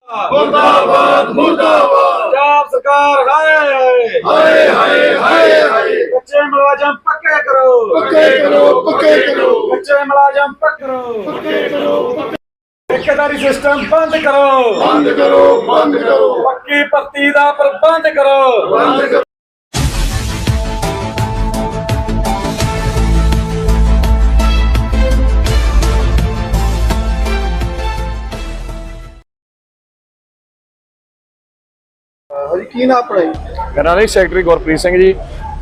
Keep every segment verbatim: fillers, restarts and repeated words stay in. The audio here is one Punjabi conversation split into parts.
मुर्दाबाद मुर्दाबाद पंजाब सरकार हाय हाय हाय हाय हाय कच्चे मुलाजम पक्के करो पक्के करो पक्के करो कच्चे मुलाजम पक्के करो पक्के करो ठेकेदारी सिस्टम बंद करो बंद करो बंद करो पक्की भर्ती दा प्रबंध करो बंद करो। ਹਾਂਜੀ ਕੀ ਨਾਮ ਆਪਣਾ ਜੀ? ਮੇਰਾ ਨਾਮ ਸੈਕਟਰੀ ਗੁਰਪ੍ਰੀਤ ਸਿੰਘ ਜੀ।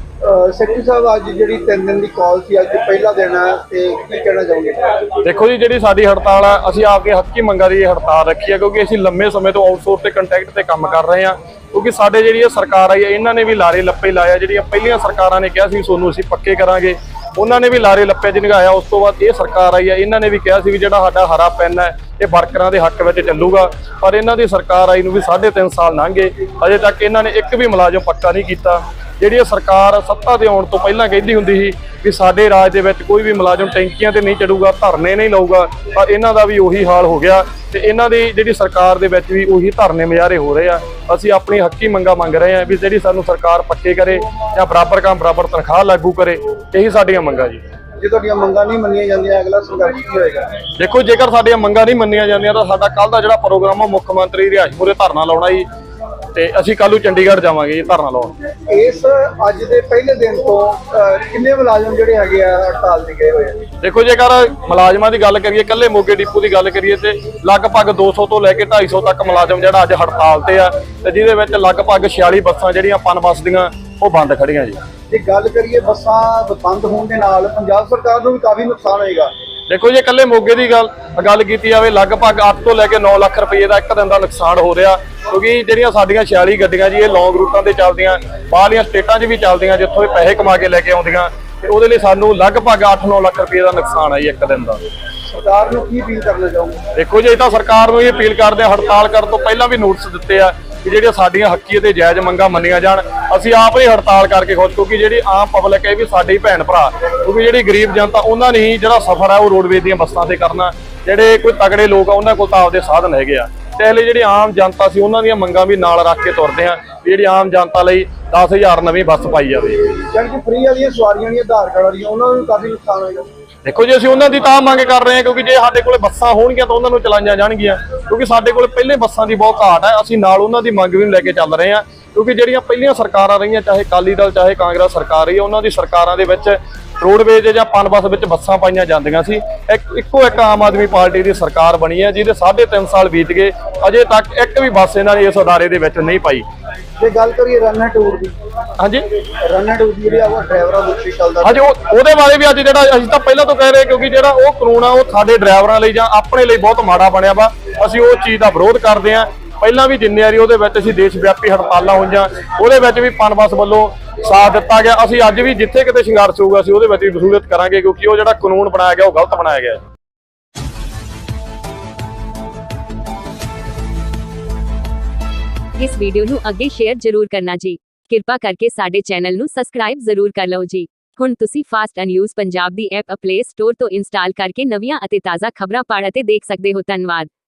ਸੈਕਟਰੀ ਸਾਹਿਬ ਅੱਜ ਜਿਹੜੀ ਤਿੰਨ ਦਿਨ ਦੀ ਕਾਲ ਸੀ, ਅੱਜ ਪਹਿਲਾ ਦਿਨ ਹੈ ਤੇ ਕੀ ਕਹਿਣਾ ਚਾਹੋਗੇ? ਦੇਖੋ ਜੀ, ਜਿਹੜੀ ਸਾਡੀ ਹੜਤਾਲ ਹੈ, ਅਸੀਂ ਆਪਕੇ ਹੱਕੀ ਮੰਗਾਂ ਦੀ ਹੜਤਾਲ ਰੱਖੀ ਹੈ ਕਿਉਂਕਿ ਅਸੀਂ ਲੰਮੇ ਸਮੇਂ ਤੋਂ ਆਊਟਸੋਰਸ ਤੇ ਕੰਟੈਕਟ ਤੇ ਕੰਮ ਕਰ ਰਹੇ ਹਾਂ। ਕਿਉਂਕਿ ਸਾਡੇ ਜਿਹੜੀ ਇਹ ਸਰਕਾਰ ਆਈ ਹੈ, ਇਹਨਾਂ ਨੇ ਵੀ ਲਾਰੇ ਲੱਪੇ ਲਾਇਆ। ਜਿਹੜੀਆਂ ਪਹਿਲੀਆਂ ਸਰਕਾਰਾਂ ਨੇ ਕਿਹਾ ਸੀ ਤੁਹਾਨੂੰ ਅਸੀਂ ਪੱਕੇ ਕਰਾਂਗੇ, ਉਹਨਾਂ ਨੇ ਵੀ ਲਾਰੇ ਲੱਪੇ 'ਚ ਨਿਗਾਇਆ। ਉਸ ਤੋਂ ਬਾਅਦ ਇਹ ਸਰਕਾਰ ਆਈ ਹੈ, ਇਹਨਾਂ ਨੇ ਵੀ ਕਿਹਾ ਸੀ ਵੀ ਜਿਹੜਾ ਸਾਡਾ ਹਰਾ ਪੈਨ ਹੈ ਇਹ ਵਰਕਰਾਂ ਦੇ ਹੱਕ ਵਿੱਚ ਚੱਲੂਗਾ। ਪਰ ਇਹਨਾਂ ਦੀ ਸਰਕਾਰ ਆਈ ਨੂੰ ਵੀ ਸਾਢੇ ਤਿੰਨ ਸਾਲ ਲੰਘ ਗਏ, ਅਜੇ ਤੱਕ ਇਹਨਾਂ ਨੇ ਇੱਕ ਵੀ ਮੁਲਾਜ਼ਮ ਪੱਕਾ ਨਹੀਂ ਕੀਤਾ। ਜਿਹੜੀ ਇਹ ਸਰਕਾਰ ਸੱਤਾ ਤੇ ਆਉਣ ਤੋਂ ਪਹਿਲਾਂ ਕਹਿੰਦੀ ਹੁੰਦੀ ਸੀ ਵੀ ਸਾਡੇ ਰਾਜ ਦੇ ਵਿੱਚ ਕੋਈ ਵੀ ਮੁਲਾਜ਼ਮ ਟੈਂਕੀਆਂ ਤੇ ਨਹੀਂ ਚੜੂਗਾ, ਧਰਨੇ ਨਹੀਂ ਲਾਊਗਾ, ਪਰ ਇਹਨਾਂ ਦਾ ਵੀ ਉਹੀ ਹਾਲ ਹੋ ਗਿਆ ਤੇ ਇਹਨਾਂ ਦੀ ਜਿਹੜੀ ਸਰਕਾਰ ਦੇ ਵਿੱਚ ਵੀ ਉਹੀ ਧਰਨੇ ਮੁਜ਼ਾਹਰੇ ਹੋ ਰਹੇ ਆ। ਅਸੀਂ ਆਪਣੀ ਹੱਕੀ ਮੰਗਾਂ ਮੰਗ ਰਹੇ ਹਾਂ ਵੀ ਜਿਹੜੀ ਸਾਨੂੰ ਸਰਕਾਰ ਪੱਕੇ ਕਰੇ ਜਾਂ ਬਰਾਬਰ ਕੰਮ ਬਰਾਬਰ ਤਨਖਾਹ ਲਾਗੂ ਕਰੇ। ਇਹੀ ਸਾਡੀਆਂ ਮੰਗਾਂ ਜੀ। ਜੇ ਤੁਹਾਡੀਆਂ ਮੰਗਾਂ ਨਹੀਂ ਮੰਨੀਆਂ ਜਾਂਦੀਆਂ ਅਗਲਾ ਸੰਘਰਸ਼ ਕੀ ਹੋਏਗਾ? ਦੇਖੋ, ਜੇਕਰ ਸਾਡੀਆਂ ਮੰਗਾਂ ਨਹੀਂ ਮੰਨੀਆਂ ਜਾਂਦੀਆਂ ਤਾਂ ਸਾਡਾ ਕੱਲ ਦਾ ਜਿਹੜਾ ਪ੍ਰੋਗਰਾਮ ਆ ਮੁੱਖ ਮੰਤਰੀ ਰਿਹਾਇਸ਼ ਮੂਹਰੇ ਧਰਨਾ ਲਾਉਣਾ ਜੀ, ਤੇ ਅਸੀਂ ਕੱਲ ਨੂੰ ਚੰਡੀਗੜ੍ਹ ਜਾਵਾਂਗੇ ਜੀ ਧਰਨਾ ਲਾਉਣ। ਇਸ ਅੱਜ ਦੇ ਪਹਿਲੇ ਦਿਨ ਤੋਂ ਕਿੰਨੇ ਮੁਲਾਜ਼ਮ ਜਿਹੜੇ ਹੈਗੇ ਆ ਹੜਤਾਲ ਤੇ ਗਏ ਹੋਏ ਆ? ਦੇਖੋ, ਜੇਕਰ ਮੁਲਾਜ਼ਮਾਂ ਦੀ ਗੱਲ ਕਰੀਏ, ਇਕੱਲੇ ਮੋਗੇ ਡਿਪੂ ਦੀ ਗੱਲ ਕਰੀਏ ਤੇ ਲਗਭਗ ਦੋ ਸੌ ਤੋਂ ਲੈ ਕੇ ਢਾਈ ਸੌ ਤੱਕ ਮੁਲਾਜ਼ਮ ਜਿਹੜਾ ਅੱਜ ਹੜਤਾਲ ਤੇ ਆ, ਤੇ ਜਿਹਦੇ ਵਿੱਚ ਲਗਭਗ ਛਿਆਲੀ ਬੱਸਾਂ ਜਿਹੜੀਆਂ ਪਨ ਬੱਸ ਦੀਆਂ ਉਹ ਬੰਦ ਖੜੀਆਂ ਜੀ। ਜੇ ਗੱਲ ਕਰੀਏ ਬੱਸਾਂ ਬੰਦ ਹੋਣ ਦੇ ਨਾਲ ਪੰਜਾਬ ਸਰਕਾਰ ਨੂੰ ਵੀ ਕਾਫੀ ਨੁਕਸਾਨ ਹੋਏਗਾ। ਦੇਖੋ, ਜੇ ਇਕੱਲੇ ਮੋਗੇ ਦੀ ਗੱਲ ਗੱਲ ਕੀਤੀ ਜਾਵੇ, ਲਗਭਗ ਅੱਠ ਤੋਂ ਲੈ ਕੇ ਨੌ ਲੱਖ ਰੁਪਏ ਦਾ ਇੱਕ ਦਿਨ ਦਾ ਨੁਕਸਾਨ ਹੋ ਰਿਹਾ। ਕਿਉਂਕਿ ਜਿਹੜੀਆਂ ਸਾਡੀਆਂ ਛਿਆਲੀ ਗੱਡੀਆਂ ਜੀ ਇਹ ਲੌਂਗ ਰੂਟਾਂ ਤੇ ਚੱਲਦੀਆਂ, ਬਾਹਰਲੀਆਂ ਸਟੇਟਾਂ 'ਚ ਵੀ ਚੱਲਦੀਆਂ, ਜਿੱਥੋਂ ਇਹ ਪੈਸੇ ਕਮਾ ਕੇ ਲੈ ਕੇ ਆਉਂਦੀਆਂ, ਤੇ ਉਹਦੇ ਲਈ ਸਾਨੂੰ ਲਗਭਗ ਅੱਠ ਨੌ ਲੱਖ ਰੁਪਏ ਦਾ ਨੁਕਸਾਨ ਹੈ ਜੀ ਇੱਕ ਦਿਨ ਦਾ। ਸਰਕਾਰ ਨੂੰ ਕੀ ਅਪੀਲ ਕਰਨਾ ਚਾਹੋਗੇ? ਦੇਖੋ ਜੀ, ਇਹ ਤਾਂ ਸਰਕਾਰ ਨੂੰ ਇਹ ਅਪੀਲ ਕਰਦੇ ਆ, ਹੜਤਾਲ ਕਰਨ ਤੋਂ ਪਹਿਲਾਂ ਵੀ ਨੋਟਿਸ ਦਿੱਤੇ ਆ ਕਿ ਜਿਹੜੀਆਂ ਸਾਡੀਆਂ ਹੱਕੀ ਅਤੇ ਜਾਇਜ਼ ਮੰਗਾਂ ਮੰਨੀਆਂ ਜਾਣ। ਅਸੀਂ ਆਪ ਹੀ ਹੜਤਾਲ ਕਰਕੇ ਖੁਸ਼, ਕਿਉਂਕਿ ਜਿਹੜੀ ਆਮ ਪਬਲਿਕ ਹੈ ਇਹ ਵੀ ਸਾਡੇ ਹੀ ਭੈਣ ਭਰਾ, ਕਿਉਂਕਿ ਜਿਹੜੀ ਗਰੀਬ ਜਨਤਾ ਉਹਨਾਂ ਨੇ ਜਿਹੜਾ ਸਫ਼ਰ ਹੈ ਉਹ ਰੋਡਵੇਜ਼ ਦੀਆਂ ਬੱਸਾਂ ਤੇ ਕਰਨਾ। ਜਿਹੜੇ ਕੋਈ ਤਗੜੇ ਲੋਕ ਆ ਉਹਨਾਂ ਕੋਲ ਤਾਂ ਆਪਦੇ ਸਾਧਨ ਹੈਗੇ ਆ, ਤੇ ਇਹ ਲਈ ਜਿਹੜੀ ਆਮ ਜਨਤਾ ਸੀ ਉਹਨਾਂ ਦੀਆਂ ਮੰਗਾਂ ਵੀ ਨਾਲ ਰੱਖ ਕੇ ਤੁਰਦੇ ਆ ਵੀ ਜਿਹੜੀ ਆਮ ਜਨਤਾ ਲਈ ਦਸ ਹਜ਼ਾਰ ਨਵੀਂ ਬੱਸ ਪਾਈ ਜਾਵੇ। ਜਾਣੀ ਕਿ ਫ੍ਰੀ ਵਾਲੀਆਂ ਸਵਾਰੀਆਂ ਦੀਆਂ ਆਧਾਰ ਕਾਰਡ ਵਾਲੀਆਂ ਉਹਨਾਂ ਨੂੰ ਕਾਫੀ ਨੁਕਸਾਨ ਹੋਏਗਾ। ਦੇਖੋ ਜੀ, ਅਸੀਂ ਉਹਨਾਂ ਦੀ ਤਾਂ ਮੰਗ ਕਰ ਰਹੇ ਹਾਂ ਕਿਉਂਕਿ ਜੇ ਸਾਡੇ ਕੋਲ ਬੱਸਾਂ ਹੋਣਗੀਆਂ ਤਾਂ ਉਹਨਾਂ ਨੂੰ ਚਲਾਈਆਂ ਜਾਣਗੀਆਂ, ਕਿਉਂਕਿ ਸਾਡੇ ਕੋਲ ਪਹਿਲੇ ਬੱਸਾਂ ਦੀ ਬਹੁਤ ਘਾਟ ਹੈ। ਅਸੀਂ ਨਾਲ ਉਹਨਾਂ ਦੀ ਮੰਗ ਵੀ ਲੈ ਕੇ ਚੱਲ ਰਹੇ ਹਾਂ, ਕਿਉਂਕਿ ਜਿਹੜੀਆਂ ਪਹਿਲੀਆਂ ਸਰਕਾਰਾਂ ਰਹੀਆਂ, ਚਾਹੇ ਅਕਾਲੀ ਦਲ ਚਾਹੇ ਕਾਂਗਰਸ ਸਰਕਾਰ ਰਹੀ, ਉਹਨਾਂ ਦੀ ਸਰਕਾਰਾਂ ਦੇ ਵਿੱਚ ਰੋਡਵੇਜ਼ ਜਾਂ ਪਨ ਬੱਸ ਵਿੱਚ ਬੱਸਾਂ ਪਾਈਆਂ ਜਾਂਦੀਆਂ ਸੀ। ਇੱਕ ਇੱਕੋ ਇੱਕ ਆਮ ਆਦਮੀ ਪਾਰਟੀ ਦੀ ਸਰਕਾਰ ਬਣੀ ਹੈ ਜਿਹਦੇ ਸਾਢੇ ਤਿੰਨ ਸਾਲ ਬੀਤ ਗਏ, ਅਜੇ ਤੱਕ ਇੱਕ ਵੀ ਬੱਸ ਇਹਨਾਂ ਨੇ ਇਸ ਅਦਾਰੇ ਦੇ ਵਿੱਚ ਨਹੀਂ ਪਾਈ। ਜੇ ਗੱਲ ਕਰੀਏ ਰਨ ਐਂਡ ਟੂਰ ਦੀ, ਹਾਂਜੀ ਰਨ ਐਂਡ ਟੂਰ ਦੀ ਜਿਹੜੀ ਆ ਉਹ ਡਰਾਈਵਰਾਂ ਨੂੰ ਚੱਲਦਾ, ਹਾਂਜੀ ਉਹਦੇ ਬਾਰੇ ਵੀ ਅੱਜ ਜਿਹੜਾ ਅਸੀਂ ਤਾਂ ਪਹਿਲਾਂ ਤੋਂ ਕਹਿ ਰਹੇ, ਕਿਉਂਕਿ ਜਿਹੜਾ ਉਹ ਕਾਨੂੰਨ ਆ ਉਹ ਸਾਡੇ ਡਰਾਈਵਰਾਂ ਲਈ ਜਾਂ ਆਪਣੇ ਲਈ ਬਹੁਤ ਮਾੜਾ ਬਣਿਆ ਵਾ। ਅਸੀਂ ਉਹ ਚੀਜ਼ ਦਾ ਵਿਰੋਧ ਕਰਦੇ ਹਾਂ। ਪਹਿਲਾਂ ਵੀ ਜਿੰਨੇ ਵਾਰੀ ਉਹਦੇ ਵਿੱਚ ਅਸੀਂ ਦੇਸ਼ ਵਿਆਪੀ ਹੜਤਾਲਾਂ ਹੋਈਆਂ, ਉਹਦੇ ਵਿੱਚ ਵੀ ਪਨ ਬੱਸ ਵੱਲੋਂ ਸਾਥ ਦਿੱਤਾ ਗਿਆ। ਅਸੀਂ ਅੱਜ ਵੀ ਜਿੱਥੇ ਕਿਤੇ ਸੰਘਰਸ਼ ਹੋਊਗਾ ਅਸੀਂ ਉਹਦੇ ਵਿੱਚ ਵੀ ਵਸੂਲੀਅਤ ਕਰਾਂਗੇ, ਕਿਉਂਕਿ ਉਹ ਜਿਹੜਾ ਕਾਨੂੰਨ ਬਣਾਇਆ ਗਿਆ ਉਹ ਗਲਤ ਬਣਾਇਆ ਗਿਆ। ਇਸ ਵੀਡੀਓ ਨੂੰ ਅੱਗੇ ਸ਼ੇਅਰ ਜ਼ਰੂਰ ਕਰਨਾ ਜੀ। ਕਿਰਪਾ ਕਰਕੇ ਸਾਡੇ ਚੈਨਲ ਨੂੰ ਸਬਸਕ੍ਰਾਈਬ ਜ਼ਰੂਰ ਕਰ ਲਓ ਜੀ। ਹੁਣ ਤੁਸੀਂ ਫਾਸਟ ਨਿਊਜ਼ ਪੰਜਾਬ ਦੀ ਐਪ ਪਲੇ ਸਟੋਰ ਤੋਂ ਇੰਸਟਾਲ ਕਰਕੇ ਨਵੀਆਂ ਅਤੇ ਤਾਜ਼ਾ ਖਬਰਾਂ ਪੜ੍ਹ ਅਤੇ ਦੇਖ ਸਕਦੇ ਹੋ। ਧੰਨਵਾਦ।